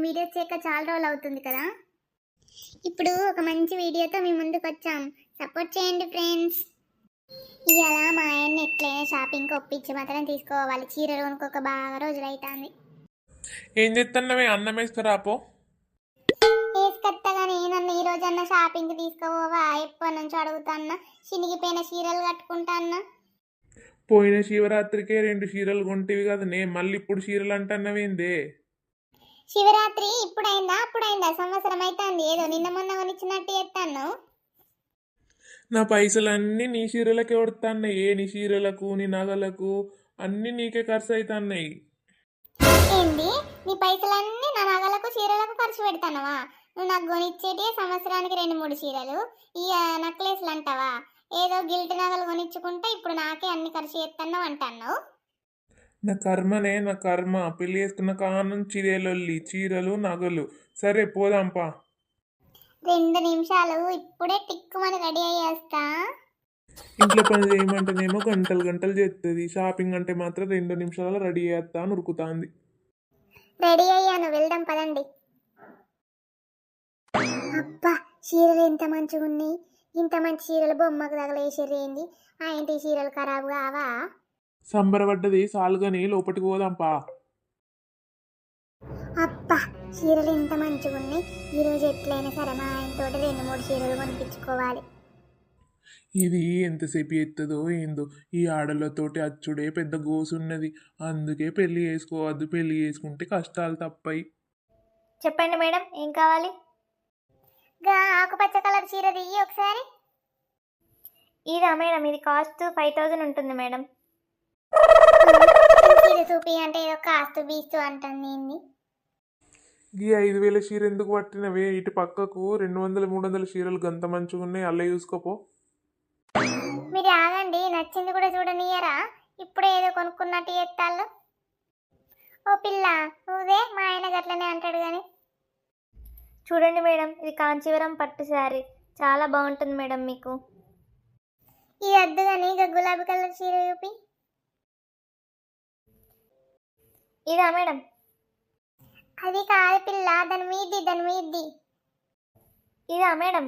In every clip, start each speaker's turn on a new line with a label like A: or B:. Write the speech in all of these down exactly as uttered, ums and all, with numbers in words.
A: Videos చేయక చాలా రోజులు అవుతుంది కదా. ఇప్పుడు ఒక మంచి వీడియోతో మీ ముందుకు వచ్చాం. సపోర్ట్ చేయండి ఫ్రెండ్స్. ఇవాళ మా ఆయన్ని ఎట్లయినా షాపింగ్కి ఒప్పించి మాత్రం తీసుకోవాలి. చీరలు కొనుక్కోక బాగా రోజులు అవుతుంది.
B: ఏం చేస్తున్నావే? అన్నం వేసుకురాపో.
A: వేసుకొత్తగానే నన్ను ఈ రోజన్నా షాపింగ్కి తీసుకోవా? ఎప్పటి నుంచి అడుగుతాన్నా. చినిగిపోయిన చీరలు కట్టుకుంటాన్నా.
B: పోయిన శివరాత్రికే రెండు చీరలు కొంటివి కదా నే, మళ్ళీ ఇప్పుడు చీరలు అంటున్నావేందే?
A: శివరాత్రి ఇప్పుడైందా అప్పుడైందా? సంవత్సరం అవుతుంది. ఏదో నిన్న మొన్న కొనిచ్చినట్టు చేస్తాను.
B: నా పైసలన్నీ నీ చీరలకే కొడుతున్నాయి. ఏ నీ చీరలకు నీ నగలకు అన్నీ నీకే ఖర్చు అవుతున్నాయి.
A: ఏంది? నీ పైసలన్నీ నా నగలకు చీరలకు ఖర్చు పెడతానవా? నువ్వు నాకు కొనిచ్చేటి సంవత్సరానికి రెండు మూడు చీరలు, ఈ నెక్లెస్లు అంటావా? ఏదో గిల్ట్ నగలు కొనిచ్చుకుంటే ఇప్పుడు నాకే అన్ని ఖర్చు చేస్తున్నావు అంటున్నావు.
B: నా కర్మనే, నా కర్మ. పెళ్లి చేసుకున్న కానం చీరలొల్లి, చీరలు నగలు. సరే పోదాంపా.
A: రెండు నిమిషాలు, ఇప్పుడే టిక్కుమని రెడీ అయ్యేస్తా.
B: ఇంట్లో పని చేయమంటేనేమో గంటలు గంటలు చేస్తుంది. షాపింగ్ అంటే మాత్రం రెండు నిమిషాలు రెడీ చేస్తా అని ఉరుకుతాంది.
A: రెడీ అయ్యాను, వెళ్దాం పదండి. అబ్బా, చీరలు ఎంత మంచిగా ఉన్నాయి. ఇంత మంచి చీరలు బొమ్మకు తగలేసిర్రు ఏంది? ఆ ఇంటి చీరలు ఖరాబు కావా?
B: సంబరపడ్డది సాలుగాని లోపలికి పోదాంపా.
A: అబ్బా, చీరలు ఇంత మంచిగా ఉన్నాయి. ఈరోజు ఎట్లయినా సరే మా ఆయనతో రెండు మూడు చీరలు కొనిపించుకోవాలి.
B: ఇది ఎంతసేపు ఎత్తదో ఏందో. ఈ ఆడలతోటి అచ్చుడే పెద్ద గోసున్నది. అందుకే పెళ్లి చేసుకోవద్దు. పెళ్లి చేసుకుంటే కష్టాలు తప్పాయి.
A: చెప్పండి మేడం, ఏం కావాలి? గా ఆకుపచ్చ కలర్ చీర దిగి ఒకసారి. ఇదా మేడం? ఇది కాస్ట్ ఫైవ్ థౌజండ్ ఉంటుంది మేడం. చీర చూపి అంటే ఏదో కాస్ట్ బీస్తూ అంటుంది.
B: ఈ ఐదు వేల చీర ఎందుకు పట్టినవే? ఇటు పక్కకు రెండు వందల మూడు వందల చీరలు గంత మంచిగా ఉన్నాయి. అల్ల చూసుకోపో.
A: మీరు ఆగండి, నచ్చింది కూడా చూడనియరా? ఇప్పుడే ఏదో కొనుక్కున్నట్టు చేస్తాళ్ళు. ఓ పిల్ల, నువ్వే మా ఆయన గట్లనే అంటాడు కానీ. చూడండి మేడం, ఇది కాంచీవరం పట్టు శారీ, చాలా బాగుంటుంది మేడం మీకు. ఇది వద్దు కానీ ఇక గులాబీ కలర్ చీర చూపి. ఇదా మేడం? అది కాదు పిల్ల, దాని మీది దాని మీది. ఇదా మేడం?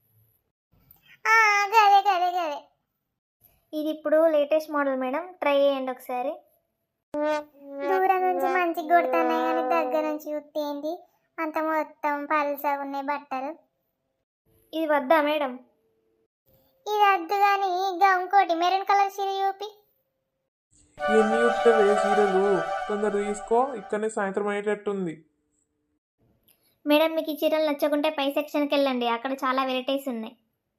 A: గదే గదే గదే. ఇది ఇప్పుడు లేటెస్ట్ మోడల్ మేడం, ట్రై చేయండి ఒకసారి. దూరం నుంచి మంచిగా కొడుతున్నాయి కానీ దగ్గర నుంచి చూస్తే ఏంటి అంత మొత్తం పల్సగా ఉన్నాయి బట్టలు. ఇది వద్దా మేడం? ఇది వద్దు కానీ ఇంకా ఇంకోటి మెరూన్ కలర్ చీర చూపి.
B: ఎన్ని చూపుతావే చీరలు? తొందర తీసుకో, ఇక్కడనే సాయంత్రం అయ్యేటట్టుంది.
A: మేడం, మీకు ఈ చీరలు నచ్చకుంటే పై సెక్షన్కి వెళ్ళండి, అక్కడ చాలా వెరైటీస్ ఉన్నాయి.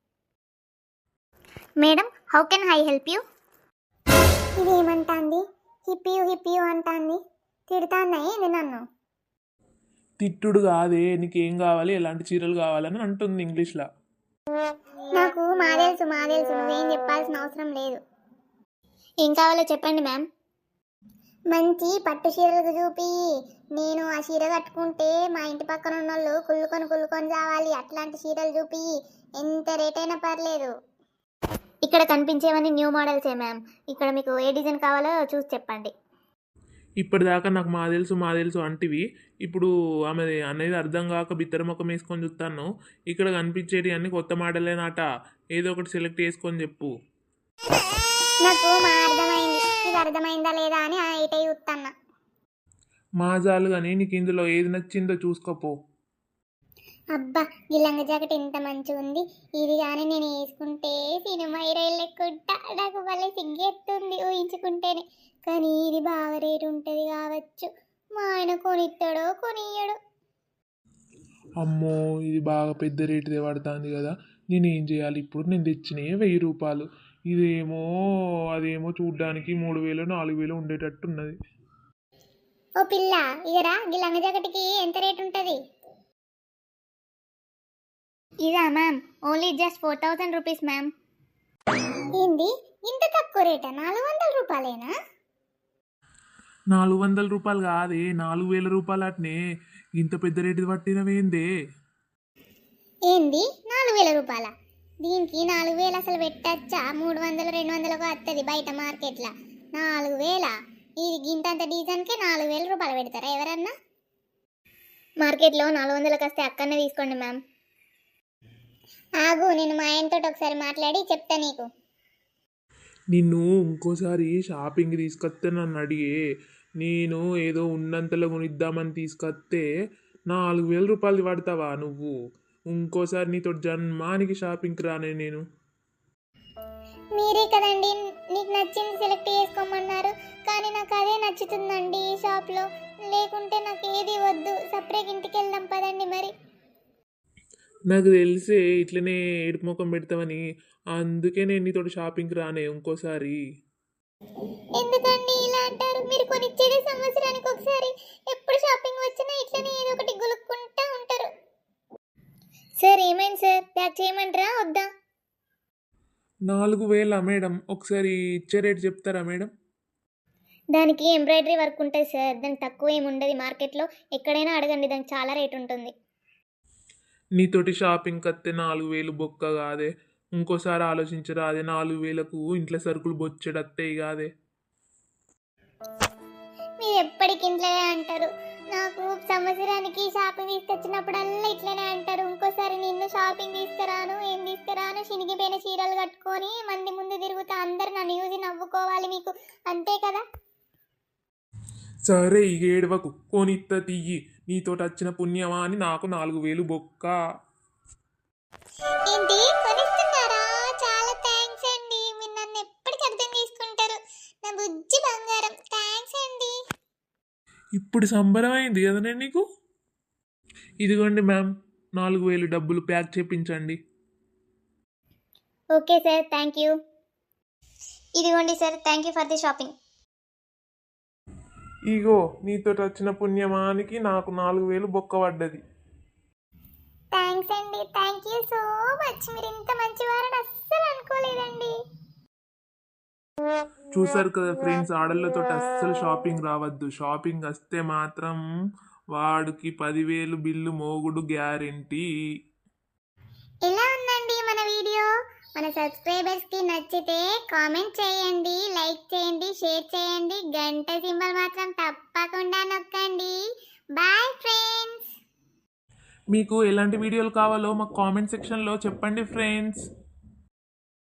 A: Madam, how can I help you? ఇది ఏమంటాంది? హిప్యూ హిప్యూ అంటాంది. తిడుతాన్నాయి ఇది నన్ను.
B: తిట్టుడు కాదే, నీకేం కావాలి, ఎలాంటి చీరలు కావాలని అంటుంది ఇంగ్లీష్లో.
A: నాకు మా తెలుసు మా తెలుసు, నువ్వేం చెప్పాల్సిన అవసరం లేదు. ఏం కావాలో చెప్పండి మ్యామ్. మంచి పట్టు చీరలకు చూపి. నేను ఆ చీర కట్టుకుంటే మా ఇంటి పక్కన ఉన్న వాళ్ళు కుళ్ళుకొని కుళ్ళుకొని రావాలి. అట్లాంటి చీరలు చూపి, ఎంత రేట్ అయినా పర్లేదు. ఇక్కడ కనిపించేవన్నీ న్యూ మోడల్సే మ్యామ్. ఇక్కడ మీకు ఏ డిజైన్ కావాలో చూసి చెప్పండి.
B: ఇప్పటిదాకా నాకు మా తెలుసు మా తెలుసు అంటివి, ఇప్పుడు ఆమె అనేది అర్థం కాక బిత్తర ముఖం వేసుకొని చూస్తాను. ఇక్కడ కనిపించేటి అన్ని కొత్త మోడలేనాట. ఏదో ఒకటి సెలెక్ట్ చేసుకొని చెప్పు.
A: నాకు మా అర్థమైంది, ఇది అర్థమైందా లేదా అని ఇటే చూస్తాను.
B: మాజాలు కానీ నీకు ఇందులో ఏది నచ్చిందో చూసుకోపో.
A: అబ్బా, ఈ లంగ జాకెట్ ఎంత మంచిగా ఉంది. ఇది కానీ నేను వేసుకుంటే సినిమా హీరోయిన్ లెక్కుంటా. నాకు భలే సిగ్గెత్తుంది ఊహించుకుంటేనే. కానీ ఇది బాగా రేటు ఉంటుంది కావచ్చు. మా ఆయన కొనిస్తాడో కొనియడు.
B: అమ్మో, ఇది బాగా పెద్ద రేటుదే పడుతుంది కదా. నేనేం చేయాలి ఇప్పుడు? నేను తెచ్చినాయి వెయ్యి రూపాయలు. ఇదేమో అదేమో చూడ్డానికి మూడు వేలు నాలుగు వేలు ఉండేటట్టు ఉన్నది.
A: ఓ పిల్ల, ఇగరా ఈ లంగ జాకెట్కి ఎంత రేటు ఉంటుంది? ఇదా ma'am? Only just four thousand rupees ma'am. ఏంది ఇంత తక్కువ రేటా? నాలుగు వందల రూపాయలేనా?
B: నాలుగు వందల రూపాయలు కాదే, నాలుగు వేల రూపాయలు అట్నే. ఇంత పెద్ద రేటు పట్టినవేందే?
A: ఏంది నాలుగు వేల రూపాయల? దీనికి నాలుగు వేలు అసలు పెట్టచ్చా? మూడు వందలు రెండు వందలకు వస్తుంది బయట మార్కెట్లో. నాలుగు వేల? ఇది గింతంత డిజైన్కే నాలుగు వేల రూపాయలు పెడతారా ఎవరన్నా? మార్కెట్లో నాలుగు వందలకు వస్తే అక్కడనే తీసుకోండి మ్యామ్. ఆగు, నేను మా ఆయనతో ఒకసారి మాట్లాడి చెప్తా నీకు.
B: నిన్ను ఇంకోసారి షాపింగ్ తీసుకొస్తే నన్ను అడిగే, నేను ఏదో ఉన్నంతలో కొనిద్దామని తీసుకొస్తే నాలుగు వేల రూపాయలు పడతావా నువ్వు? ఇంకోసారి నీతో జన్మానికి షాపింగ్కి రానే నేను.
A: మీరే కదండి నీకు నచ్చింది సెలెక్ట్ చేసుకోమన్నారు, కానీ నాకు అదే నచ్చుతుందండి ఈ షాప్లో. లేకుంటే నాకు ఏది వద్దు, సపరేట్ ఇంటికి వెళ్దాం పదండి మరి.
B: నాకు తెలిసే ఇట్లనే ఏడుపు ముఖం పెడతావని, అందుకే నేను నీతో షాపింగ్కి రానే ఇంకోసారి.
A: ఎందుకండి ఇలా అంటారు? మీరు కొనిచ్చేది సంవత్సరానికి ఒకసారి, ఎప్పుడు షాపింగ్ వచ్చినా ఇట్లనే ఏదో ఒకటి గులుక్కుంటా ఉంటారు. సార్ ఏమైంది సార్, ప్యాక్ చేయమంటారా వద్దా?
B: నాలుగు వేల మేడం, ఒకసారి ఇచ్చే రేట్ చెప్తారా మేడం?
A: దానికి ఎంబ్రాయిడరీ వర్క్ ఉంటుంది సార్, దానికి తక్కువ ఏమి ఉండదు. మార్కెట్లో ఎక్కడైనా అడగండి, దానికి చాలా రేట్ ఉంటుంది.
B: నీతోటి షాపింగ్కి వస్తే నాలుగు వేలు బొక్క కాదే, ఇంకోసారి ఆలోచించరా? అదే నాలుగు వేలకు ఇంట్లో సరుకులు బొచ్చెడత్తాయి కాదే.
A: మీరు ఎప్పటికి ఇంట్లోనే అంటారు, నాకు సంవత్సరానికి షాపింగ్ తీసుకొచ్చినప్పుడల్లా ఇట్లనే అంటారు. ఇంకోసారి నిన్ను షాపింగ్ తీసుకురాను, ఏం తీసుకురాను, చినిగిపోయిన చీరలు కట్టుకొని మంది ముందు తిరుగుతా, అందరు నన్ను చూసి నవ్వుకోవాలి మీకు, అంతే కదా?
B: సరే ఇక ఏడవకు, కొనిత్త తీయి, నీతోటి వచ్చిన పుణ్యమా అని నాకు నాలుగు వేలు బొక్క.
A: ఏంటి కొనిస్తున్నారా? చాలా థ్యాంక్స్ అండి, మీరు నన్ను ఎప్పటికీ అర్థం చేసుకుంటారు, నా బుజ్జి బంగారం. థ్యాంక్స్ అండి.
B: ఇప్పుడు సంబరం అయింది కదా నేను నీకు. ఇదిగోండి మ్యామ్, నాలుగు వేలు డబ్బులు ప్యాక్ చేపించండి.
A: Okay sir, thank you. ఇదిగోండి sir, thank you for the shopping.
B: ఇగో నీతోటి వచ్చిన పుణ్యమానికి నాకు నాలుగు వేలు బొక్క పడ్డది.
A: థ్యాంక్స్ అండి, థ్యాంక్ యూ సో మచ్. మీరు ఇంత మంచివారని అస్సలు అనుకోలేదండి.
B: చూసారు కదా ఫ్రెండ్స్, ఆడళ్ళతో అస్సలు షాపింగ్ రావద్దు. షాపింగ్ వస్తే మాత్రం వాడికి పదివేలు బిల్లు మోగుడు గ్యారెంటీ.
A: ఎలా ఉందండి మన వీడియో? మన సబ్స్క్రైబర్స్కి నచ్చితే కామెంట్ చేయండి, లైక్ చేయండి, షేర్ చేయండి, గంట సింబల్ మాత్రం తప్పకుండా నొక్కండి. Bye friends.
B: మీకు ఎలాంటి వీడియోలు కావాలో మాకు కామెంట్ సెక్షన్లో చెప్పండి ఫ్రెండ్స్.